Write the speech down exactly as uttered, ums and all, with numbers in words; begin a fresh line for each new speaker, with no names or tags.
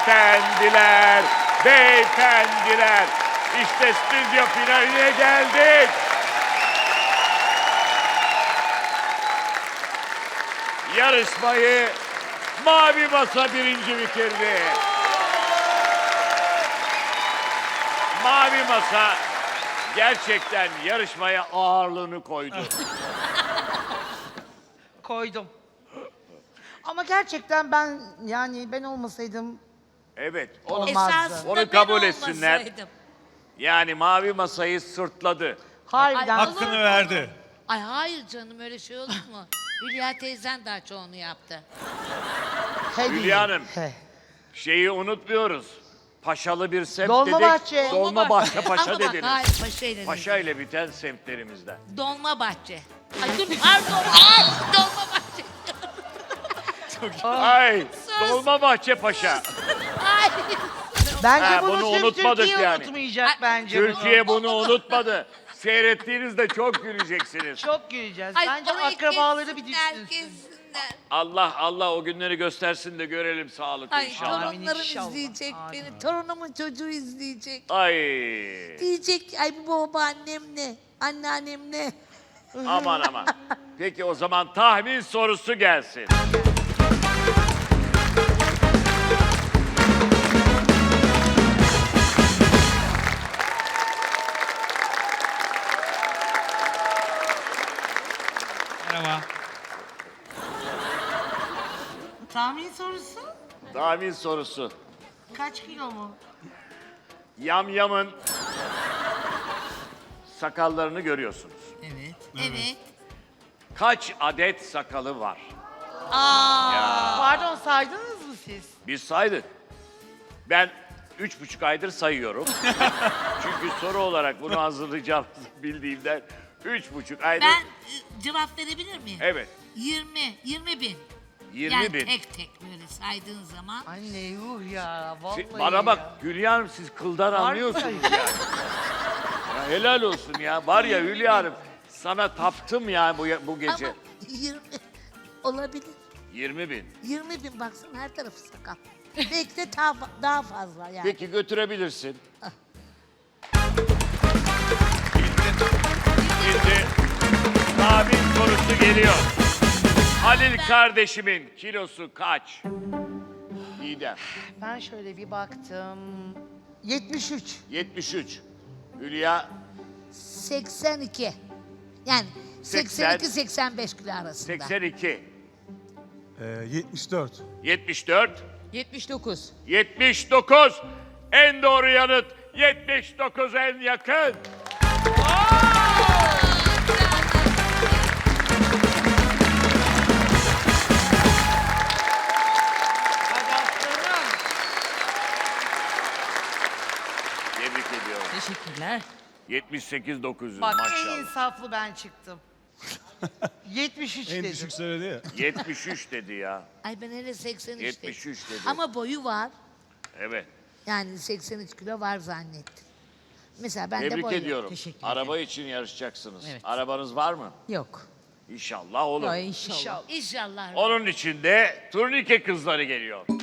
Beyefendiler, beyefendiler. İşte stüdyo finaline geldik. Yarışmayı Mavi Masa birinci bitirdi. Mavi Masa gerçekten yarışmaya ağırlığını koydu.
Koydum. Ama gerçekten ben yani ben olmasaydım
Evet, onu,
Olmazdı.
Esasında
Onu
ben
kabul etsinler.
olmasaydım.
yani Mavi Masa'yı sırtladı.
harbiden
Ay,
Hakkını
olur mu?
verdi.
Ay hayır canım öyle şey olur mu? Hülya teyzen daha çoğunu yaptı.
He
Hülya
değil.
Hanım.
He.
Şeyi unutmuyoruz. Paşalı bir semt
Dolmabahçe.
dedik. Dolmabahçe
Ama
Paşa
bak,
dediniz.
hayır, Paşa ile
Paşa ile biten semtlerimizden.
Dolmabahçe. Ay dur pardon. Ay Dolmabahçe.
Ay, Dolmabahçe Paşa.
Ay.
Bence
Ha,
bunu,
bunu
sırf
unutmadık
Türkiye
yani.
unutmayacak
Ay,
bence
Türkiye
bunu.
bunu unutmadı. Seyrettiğinizde çok güleceksiniz.
Çok güleceğiz.
Ay,
Bence
orayı
akrabaları bir
kessinler,
düşünsün.
kessinler.
Allah Allah o günleri göstersin de görelim sağlıklı
Ay
inşallah.
Amin
torunlarım
inşallah.
izleyecek
Amin.
beni. Torunumun çocuğu izleyecek.
Ay.
Diyecek ay bu babaannem ne? Anneannem ne?
Aman aman. Peki o zaman tahmin sorusu gelsin.
Merhaba.
Tahmin sorusu?
Tahmin sorusu.
Kaç kilo mu?
Yamyamın sakallarını görüyorsunuz.
Evet. Evet.
Kaç adet sakalı var?
Pardon saydınız mı siz?
Biz saydık. Ben üç buçuk aydır sayıyorum. Çünkü soru olarak bunu hazırlayacağımızı bildiğimden üç buçuk aydır.
Ben e, cevap verebilir miyim?
Evet.
yirmi, yirmi bin.
yirmi
yani
bin.
tek tek böyle saydığın zaman.
Anne yuh ya vallahi
Siz- Bana bak
ya.
Hülya Hanım siz kıldan
Harbiden.
anlıyorsunuz yani. Ya helal olsun ya. Var ya Hülya Hanım sana taptım ya bu, bu gece.
Ama yirmi olabilir.
yirmi bin.
yirmi bin baksın her tarafı sakal. Belki de daha, daha fazla yani.
Peki götürebilirsin. Şimdi tahmin sorusu geliyor. Halil kardeşimin kilosu kaç? İdem.
Ben şöyle bir baktım. yetmiş üç.
yetmiş üç. Hülya
seksen iki. Yani seksen iki seksen beş kilo arasında.
seksen iki.
Ee, yetmiş dört.
yetmiş dört.
yetmiş dokuz.
yetmiş dokuz. En doğru yanıt yetmiş dokuz en yakın.
Hadi aslanım.
Tebrik ediyorum.
Teşekkürler.
yetmiş sekiz dokuz yüz
Bak en
maşallah.
insaflı ben çıktım. yetmiş üç
En
dedim.
düşük söyledi ya.
yetmiş üç dedi ya.
Ay ben hele seksen üç
yetmiş üç dedi.
Ama boyu var.
Evet.
Yani seksen üç kilo var zannettim. Mesela ben de
Tebrik
boyu.
ediyorum.
Teşekkür
Araba için yarışacaksınız.
Evet.
Arabanız var mı?
Yok.
İnşallah olur.
Ay inşallah.
İnşallah.
İnşallah.
Onun için de turnike kızları geliyor.